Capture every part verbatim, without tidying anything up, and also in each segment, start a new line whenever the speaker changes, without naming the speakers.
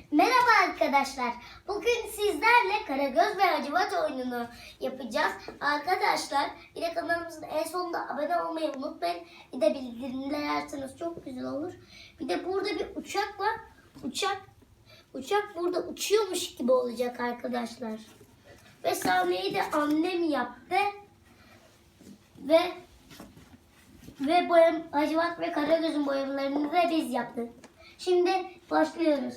Merhaba arkadaşlar. Bugün sizlerle Karagöz ve Hacivat oyununu yapacağız. Arkadaşlar bir de kanalımızın en sonunda abone olmayı unutmayın. Bir de bildirimleri açarsanız çok güzel olur. Bir de burada bir uçak var. Uçak uçak burada uçuyormuş gibi olacak arkadaşlar. Ve sahneyi de annem yaptı. Ve ve boyam, Hacivat ve Karagöz'ün boyamalarını da biz yaptık. Şimdi başlıyoruz.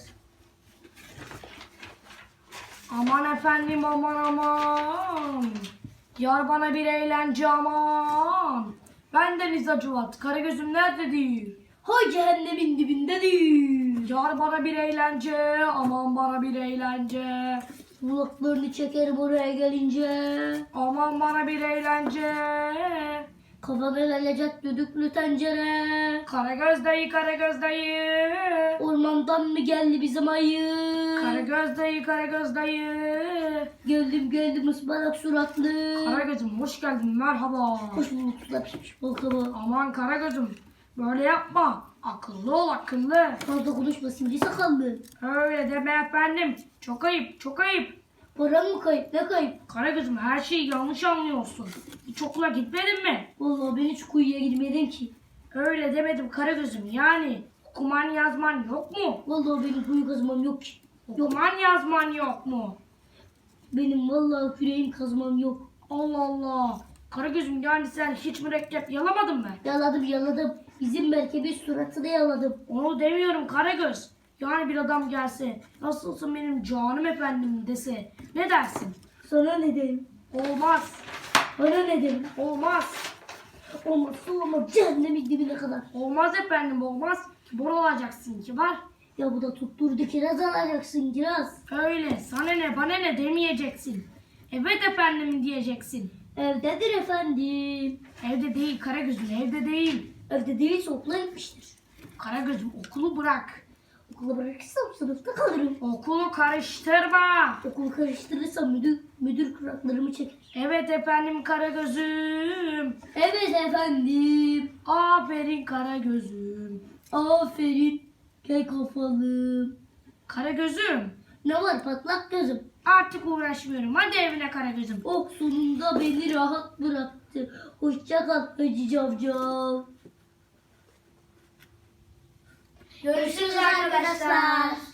Aman efendim aman aman. Yar bana bir eğlence aman. Bendeniz Hacivat, Karagöz'üm nerededir?
Hay cehennemin dibindedir.
Yar bana bir eğlence, aman bana bir eğlence.
Kulaklarını çekerim oraya gelince.
Aman bana bir eğlence.
Kafana gelecek düdüklü tencere.
Karagöz dayı, Karagöz dayı.
Ormandan mı geldi bizim ayı?
Karagöz dayı, Karagöz dayı.
Geldim geldim ıspanak suratlı.
Karagöz'üm hoş geldin, merhaba.
Hoş bulduk suda pişmiş baklava.
Aman Karagöz'üm böyle yapma. Akıllı ol akıllı.
Fazla konuşma sivri sakallı.
Öyle deme efendim. Çok ayıp, çok ayıp.
Param mı kayıp ne kayıp?
Karagöz'üm her şeyi yanlış anlıyorsun. Hiç okula gitmedin mi?
Vallahi ben hiç kuyuya girmedim ki.
Öyle demedim Karagöz'üm yani. Okuman yazman yok mu?
Vallahi benim kuyu kazmam yok ki.
Okuman yazman yok mu?
Benim vallahi küreğim kazmam yok.
Allah Allah. Karagöz'üm yani sen hiç mürekkep yalamadın mı?
Yaladım yaladım. Bizim merkebin suratını yaladım.
Onu demiyorum Karagöz. Yani bir adam gelse, nasılsın benim canım efendim dese, ne dersin?
Sana ne derim?
Olmaz,
Bana ne derim?
olmaz,
Olmazsa olmaz cehennemin dibine kadar.
olmaz efendim olmaz. Kibar olacaksın kibar.
Ya bu da tutturdu kiraz alacaksın kiraz.
Öyle, sana ne bana ne demeyeceksin. Evet efendim diyeceksin.
Evdedir efendim.
Evde değil Karagöz'üm, evde değil.
Evde değilse okula gitmiştir.
Karagöz'üm okulu bırak.
Okula bırakırsam sınıfta kalırım.
Okulu karıştırma.
Okulu karıştırırsam müdür, müdür kulaklarımı çeker.
Evet efendim Karagöz'üm.
Evet efendim.
Aferin Karagöz'üm.
Aferin. Gel kafalım.
Karagöz'üm.
Ne var patlak gözüm?
Artık uğraşmıyorum. Hadi evine Karagöz'üm.
Oh sonunda beni rahat bıraktı. Hoşça kal Hacı Cavcav. Görüşürüz arkadaşlar.